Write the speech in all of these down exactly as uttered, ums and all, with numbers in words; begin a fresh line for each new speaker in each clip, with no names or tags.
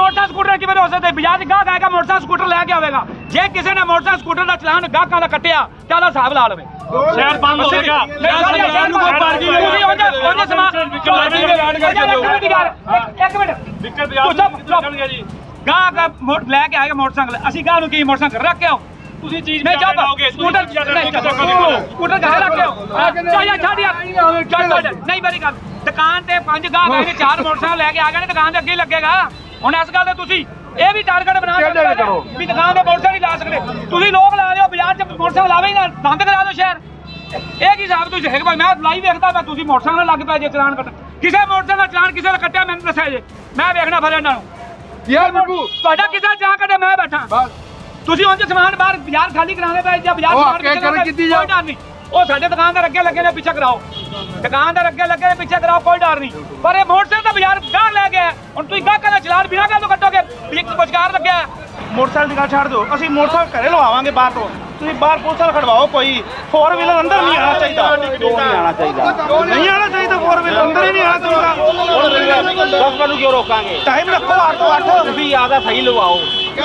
motorcycle scooter किवें हो सकते बाजार च गाहक आएगा मोटरसाइकिल स्कूटर लैके आवेगा जे किसी ने मोटरसाइकिल स्कूटर का चलान गाहकां दा कट्टिया ते ओहदा हिसाब ला लवे शहर बंद हो जाएगा एक मिनट गाहक लैके आएगा मोटरसाइकिल असीं गाहक नूं की मोटरसाइकिल रख के आओ ਤੁਸੀਂ ਚੀਜ਼ ਨਹੀਂ ਜਾਓਗੇ ਸਕੂਟਰ ਸਕੂਟਰ ਘਰ ਰੱਖਿਓ ਚਾਹੀਏ ਛੱਡ ਯਾਰ ਚੱਲ ਨਹੀਂ ਮੇਰੀ ਗੱਲ ਦੁਕਾਨ ਤੇ ਪੰਜ ਗਾਹਕ ਆਏ ਨੇ ਚਾਰ ਮੋਟਰਸਾਈਕਲ ਲੈ ਕੇ ਆ ਗਏ ਨੇ ਦੁਕਾਨ ਦੇ ਅੱਗੇ ਲੱਗੇਗਾ ਹੁਣ ਇਸ ਗੱਲ ਤੇ ਤੁਸੀਂ ਇਹ ਵੀ ਟਾਰਗੇਟ ਬਣਾ ਕੇ ਵੀ ਦੁਕਾਨ ਦੇ ਮੋਟਰਸਾਈਕਲ ਲਾ ਸਕਦੇ ਤੁਸੀਂ ਲੋਕ ਲਾ ਲਿਓ ਬਾਜ਼ਾਰ 'ਚ ਮੋਟਰਸਾਈਕਲ ਲਾਵੇ ਹੀ ਨਾ ਬੰਦ ਕਰਾ ਦਿਓ ਸ਼ਹਿਰ ਇਹ ਕੀ ਹਿਸਾਬ ਤੁਸੀਂ ਹੈਗੇ ਭਾਈ ਮੈਂ ਲਾਈਵ ਵੇਖਦਾ ਮੈਂ ਤੁਸੀਂ ਮੋਟਰਸਾਈਕਲ ਲੱਗ ਪਿਆ ਜੇ ਚਲਾਨ ਕੱਟ ਕਿਸੇ ਮੋਟਰਸਾਈਕਲ ਦਾ ਚਲਾਨ ਕਿਸੇ ਦਾ ਕੱਟਿਆ ਮੈਨੂੰ ਦੱਸਿਆ ਜੇ ਮੈਂ ਵੇਖਣਾ ਫਿਰ ਇਹਨਾਂ ਨੂੰ
ਯਾਰ ਬੱਬੂ
ਤੁਹਾਡਾ ਕਿਸੇ ਦਾ ਚਾਹ ਕੱਟੇ ਮੈਂ ਬੈਠਾ ਤੁਸੀਂ ਉਂਝ ਸਮਾਨ ਬਾਹਰ ਬਾਜ਼ਾਰ ਖਾਲੀ ਕਰਾਉਂਦੇ ਪਏ ਜਾਂ ਬਾਜ਼ਾਰ ਸਮਾਨ ਕੋਈ ਡਰ ਨਹੀਂ ਉਹ ਸਾਡੇ ਦੁਕਾਨਦਾਰ ਅੱਗੇ ਲੱਗੇ ਨੇ ਪਿੱਛੇ ਕਰਾਓ ਦੁਕਾਨਦਾਰ ਅੱਗੇ ਲੱਗੇ ਨੇ ਪਿੱਛੇ ਕਰਾਓ ਕੋਈ ਡਰ ਨਹੀਂ ਪਰ ਇਹ ਮੋਟਰਸਾਈਕਲ ਤਾਂ ਬਾਜ਼ਾਰ ਗਾਹ ਲੈ ਗਿਆ ਹੁਣ ਤੁਸੀਂ ਗਾਹਕਾਂ ਦਾ ਚਲਾਨ ਬਿਨਾਂ ਗੱਲ ਤੋਂ ਕੱਟੋਗੇ ਵੀ ਇੱਕ ਪੁਚਕਾਰ ਲੱਗਿਆ
ਮੋਟਰਸਾਈਕਲ ਦੀ ਗੱਲ ਛੱਡ ਦਿਓ ਅਸੀਂ ਮੋਟਰਸਾਈਕਲ ਘਰੇ ਲਵਾਵਾਂਗੇ ਬਾਹਰ ਤੋਂ ਤੁਸੀਂ ਬਾਹਰ ਪੁਲਿਸ ਵਾਲਾ ਖੜਵਾਓ ਕੋਈ ਫੋਰ ਵੀਲਰ ਅੰਦਰ ਨਹੀਂ ਆਣਾ ਚਾਹੀਦਾ ਨਹੀਂ ਆਣਾ ਚਾਹੀਦਾ ਨਹੀਂ ਆਣਾ ਚਾਹੀਦਾ ਫੋਰ ਵੀਲਰ ਅੰਦਰ ਹੀ ਨਹੀਂ ਆਣਾ ਚਾਹੀਦਾ ਦਸ ਵਜੇ ਕਿਉਂ ਰੋਕਾਂਗੇ ਟਾਈਮ ਰੱਖੋ ਅੱਠ ਤੋਂ ਅੱਠ ਤੁਸੀਂ ਆਦਾ ਸਹੀ ਲਵਾਓ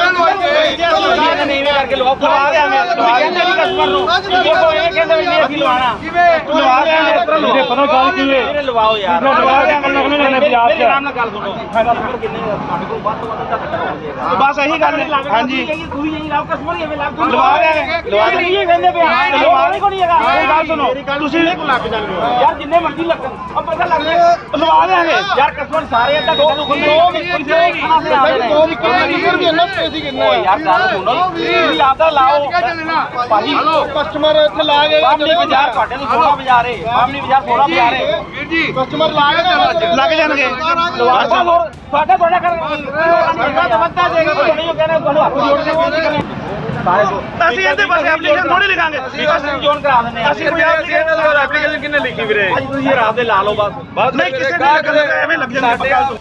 ਨਹੀਂ ਕਰਕੇ ਲਵਾਓ ਖਵਾ ਦਿਆਂਗੇ ਕਹਿੰਦੇ ਨਹੀਂ ਕਸਟਮਰ ਨੂੰ ਦੇਖੋ ਇਹ ਕਹਿੰਦੇ ਵੀ ਨਹੀਂ ਅਸੀਂ ਲਵਾਣਾ ਲਵਾ ਦਿਆਂਗੇ ਇਹਦੇ ਪਤਾ ਗੱਲ ਕੀ ਹੈ ਇਹਨੇ ਲਵਾਓ ਯਾਰ ਲਵਾ ਦਿਆਂਗੇ ਲੱਗਣੇ ਨੇ ਪਿਆਰ ਚ ਆਰਾਮ ਨਾਲ ਗੱਲ ਸੁਣੋ ਕਿੰਨੇ ਸਾਡੇ ਕੋਲ ਵੱਧ ਤੋਂ ਵੱਧ ਤੱਕ ਬਸ ਇਹੀ ਗੱਲ ਹੈ ਹਾਂਜੀ ਤੁਸੀਂ ਇਹੀ ਲਾਓ ਕਸਟਮਰ ਹੀ ਐਵੇਂ ਲਾਓ ਲਵਾ ਦਿਆਂਗੇ ਲਵਾ ਦਿਆਂਗੇ ਇਹ ਕਹਿੰਦੇ ਪਿਆ ਲਵਾ ਨਹੀਂ ਕੋਈ ਹੈਗਾ ਇਹ ਗੱਲ ਸੁਣੋ ਤੁਸੀਂ ਨਹੀਂ ਲੱਗ ਜਾਣਗੇ ਯਾਰ ਜਿੰਨੇ ਮਰਜ਼ੀ ਲੱਗਣ ਆ ਪਤਾ ਲੱਗ ਜਾਏ ਲਵਾ ਦਿਆਂਗੇ ਯਾਰ ਕਸਟਮਰ ਸਾਰੇ ਅੱਧਾ ਘੰਟਾ ਨੂੰ ਖੁੱਲੇ ਦੋ ਰੀਅਰ ਵੀ ਇੰਨਾ ਪੈਸੇ ਕਿੰਨਾ ਓ ਯਾਰ ਗੱਲ ਸੁਣੋ ਤੁਸੀਂ ਆਪਦਾ ਲਾਓ ਭਾਜੀ ਕਸਟਮਰ ਇੱਥੇ ਲਾ ਗਏ ਬਾਮਣੀ ਬਾਜ਼ਾਰ ਤੁਹਾਡੇ ਤੋਂ ਛੋਟਾ ਬਾਜ਼ਾਰ ਹੈ ਬਾਮਣੀ ਬਾਜ਼ਾਰ ਥੋੜਾ ਬਾਜ਼ਾਰ ਹੈ ਵੀਰ ਜੀ ਕਸਟਮਰ ਲਾ ਗਏ ਲੱਗ ਜਾਣਗੇ ਲਵਾ ਤੁਹਾਡਾ ਤੁਹਾਡਾ ਕਰ ਵੱਧਾ ਦੇਗਾ ਕੋਈ ਨਹੀਂ ਕਹਿੰਦਾ ਤੁਹਾਨੂੰ ਹੱਥ ਜੋੜ ਕੇ ਬੇਨਤੀ ਕਰਨੀ ਅਸੀਂ ਇਹਦੇ ਪਾਸੇ ਐਪਲੀਕੇਸ਼ਨ ਥੋੜੀ ਲਿਖਾਂਗੇ ਅਸੀਂ ਜੋਨ ਕਰਾ ਦਿੰਦੇ ਆ ਅਸੀਂ ਕੋਈ ਐਪਲੀਕੇਸ਼ਨ ਕਿੰਨੇ ਲਿਖੀ ਵੀਰੇ ਅੱਜ ਤੁਸੀਂ ਰਾਤ ਦੇ ਲਾ ਲਓ ਬਸ ਨਹੀਂ ਕਿਸੇ ਨੇ ਐਵੇਂ ਲੱਗ ਜਾਂਦੇ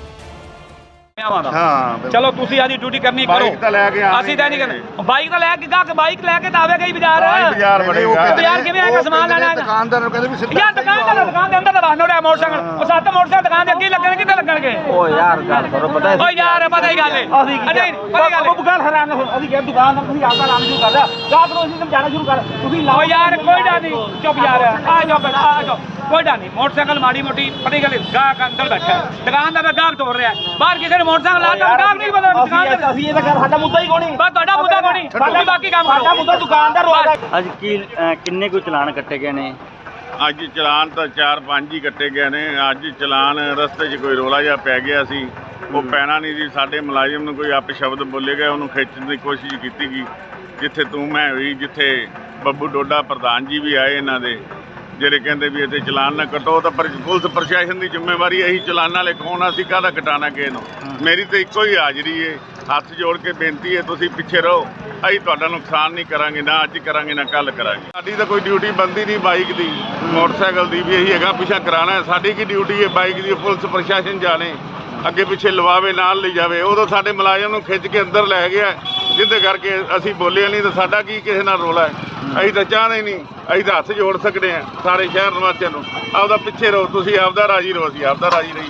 ਹਾਂ ਚਲੋ ਤੁਸੀਂ ਆਦੀ ਡਿਊਟੀ ਕਰਨੀ ਕਰੋ
ਬਾਈਕ ਤਾਂ ਲੈ ਕੇ ਆ
ਅਸੀਂ ਤਾਂ ਨਹੀਂ ਕਰਨਾ ਬਾਈਕ ਤਾਂ ਲੈ ਕੇ ਗਾਹਕ ਬਾਈਕ ਲੈ ਕੇ ਤਾਂ ਆਵੇਗਾ ਹੀ ਬਾਜ਼ਾਰ
ਬਾਜ਼ਾਰ ਬੜੇਗਾ
ਬਾਜ਼ਾਰ ਕਿਵੇਂ ਆਏਗਾ ਸਮਾਨ ਲੈਣਾ
ਦੁਕਾਨਦਾਰ ਨੂੰ ਕਹਿੰਦੇ ਵੀ ਸਿੱਧਾ
ਯਾਰ ਦੁਕਾਨਦਾਰ ਦੁਕਾਨ ਦੇ ਅੰਦਰ ਤਾਂ ਬਾਹਰ ਨੋੜਿਆ ਮੋਟਰਸਾਈਕਲ ਉਹ ਸੱਤ ਮੋਟਰਸਾਈਕਲ ਦੁਕਾਨ ਦੇ ਅੱਗੇ ਲੱਗਣਗੇ ਕਿੱਥੇ ਲੱਗਣਗੇ
ਓ ਯਾਰ ਗੱਲ ਕਰੋ ਪਤਾ
ਓ ਯਾਰ ਪਤਾ ਹੀ ਗੱਲ ਹੈ
ਅਸੀਂ
ਨਹੀਂ ਪਤਾ ਗੱਲ
ਉਹ ਗੱਲ ਹਰਾਮ ਨਾ ਅਸੀਂ ਕਿਹਾ ਦੁਕਾਨ ਦਾ ਤੁਸੀਂ ਆਪਦਾ ਨਾਮ ਸ਼ੁਰੂ ਕਰ ਲਿਆ ਗਾਹਕ ਨੂੰ ਅਸੀਂ ਸਮਝਾਣਾ ਸ਼ੁਰੂ ਕਰ ਤੁਸੀਂ
ਓ ਯਾਰ ਕੋਈ ਡਰ ਨਹੀਂ ਚੁੱਪ ਯਾਰ ਆ ਜਾਓ ਬੇਟਾ ਆ ਜਾਓ ਕੋਈ ਡਰ ਨਹੀਂ ਮੋਟਰਸਾਈਕਲ ਮਾੜੀ ਮੋਟੀ ਪਤਾ ਗੱਲ ਗਾਹਕ ਅੰਦਰ ਬੈਠਾ ਦੁਕਾਨ ਦਾ ਗਾਹਕ ਤੋੜ ਰਿਹਾ ਬਾਹਰ ਕਿਸੇ ਨੇ ਮੋਟਰਸਾਈਕਲ ਲਾਤਾ ਗਾਹਕ ਨਹੀਂ ਪਤਾ ਦੁਕਾਨ ਦਾ
ਅਸੀਂ ਇਹ ਤਾਂ ਕਰ ਸਾਡਾ ਮੁੱਦਾ ਹੀ ਕੋਣੀ
ਬਸ ਤੁਹਾਡਾ ਮੁੱਦਾ ਕੋਣੀ ਬਾਕੀ ਬਾਕੀ ਕੰਮ ਕਰੋ
ਸਾਡਾ ਮੁੱਦਾ ਦੁਕਾਨਦਾਰ ਹੋਇਆ
ਅੱਜ ਕੀ ਕਿੰਨੇ ਕੁ ਚਲਾਨ ਕੱਟੇ ਗਏ ਨੇ
ਅੱਜ ਚਲਾਨ ਤਾਂ ਚਾਰ ਪੰਜ ਹੀ ਕੱਟੇ ਗਏ ਨੇ ਅੱਜ ਚਲਾਨ ਰਸਤੇ 'ਚ ਕੋਈ ਰੋਲਾ ਜਿਹਾ ਪੈ ਗਿਆ ਸੀ ਉਹ ਪੈਣਾ ਨਹੀਂ ਜੀ ਸਾਡੇ ਮੁਲਾਜ਼ਮ ਨੂੰ ਕੋਈ ਅਪ ਸ਼ਬਦ ਬੋਲੇ ਗਏ ਉਹਨੂੰ ਖਿੱਚਣ ਦੀ ਕੋਸ਼ਿਸ਼ ਕੀਤੀ ਗਈ ਜਿੱਥੇ ਤੂੰ ਮੈਂ ਹੋਈ ਜਿੱਥੇ ਬੱਬੂ ਡੋਡਾ ਪ੍ਰਧਾਨ ਜੀ ਵੀ ਆਏ ਇਹਨਾਂ ਦੇ ਜਿਹੜੇ ਕਹਿੰਦੇ ਵੀ ਇੱਥੇ ਚਲਾਨ ਨਾ ਕੱਟੋ ਤਾਂ ਪਰ ਪੁਲਿਸ ਪ੍ਰਸ਼ਾਸਨ ਦੀ ਜ਼ਿੰਮੇਵਾਰੀ ਇਹੀ ਚਲਾਨਾਂ ਵਾਲੇ ਕੌਣ ਅਸੀਂ ਕਾਹਦਾ ਕਟਾਣਾ ਕਿਸੇ ਨੂੰ ਮੇਰੀ ਤਾਂ ਇੱਕੋ ਹੀ ਹਾਜ਼ਰੀ ਹੈ ਹੱਥ ਜੋੜ ਕੇ ਬੇਨਤੀ ਹੈ ਤੁਸੀਂ ਪਿੱਛੇ ਰਹੋ ਅਸੀਂ ਤੁਹਾਡਾ ਨੁਕਸਾਨ ਨਹੀਂ ਕਰਾਂਗੇ ਨਾ ਅੱਜ ਕਰਾਂਗੇ ਨਾ ਕੱਲ ਕਰਾਂਗੇ ਸਾਡੀ ਤਾਂ ਕੋਈ ਡਿਊਟੀ ਬਣਦੀ ਨਹੀਂ ਬਾਈਕ ਦੀ ਮੋਟਰਸਾਈਕਲ ਦੀ ਵੀ ਇਹੀ ਹੈਗਾ ਪਿੱਛਾ ਕਰਾਉਣਾ ਸਾਡੀ ਕੀ ਡਿਊਟੀ ਹੈ ਬਾਈਕ ਦੀ ਪੁਲਿਸ ਪ੍ਰਸ਼ਾਸਨ ਜਾਣੇ ਅੱਗੇ ਪਿੱਛੇ ਲਵਾਵੇ ਨਾਲ ਲੈ ਜਾਵੇ ਉਦੋਂ ਸਾਡੇ ਮੁਲਾਜ਼ਮ ਨੂੰ ਖਿੱਚ ਕੇ ਅੰਦਰ ਲੈ ਗਿਆ ਜਿਹਦੇ ਕਰਕੇ ਅਸੀਂ ਬੋਲੇ ਨਹੀਂ ਤਾਂ ਸਾਡਾ ਕੀ ਕਿਸੇ ਨਾਲ ਰੋਲਾ ਹੈ ਅਸੀਂ ਤਾਂ ਚਾਹਦੇ ਨਹੀਂ ਅਸੀਂ ਤਾਂ ਹੱਥ ਜੋੜ ਸਕਦੇ ਹਾਂ ਸਾਰੇ ਸ਼ਹਿਰ ਨਿਵਾਸੀਆਂ ਨੂੰ ਆਪਦਾ ਪਿੱਛੇ ਰਹੋ ਤੁਸੀਂ ਆਪਦਾ ਰਾਜੀ ਰਹੋ ਅਸੀਂ ਆਪਦਾ ਰਾਜੀ ਰਹੀ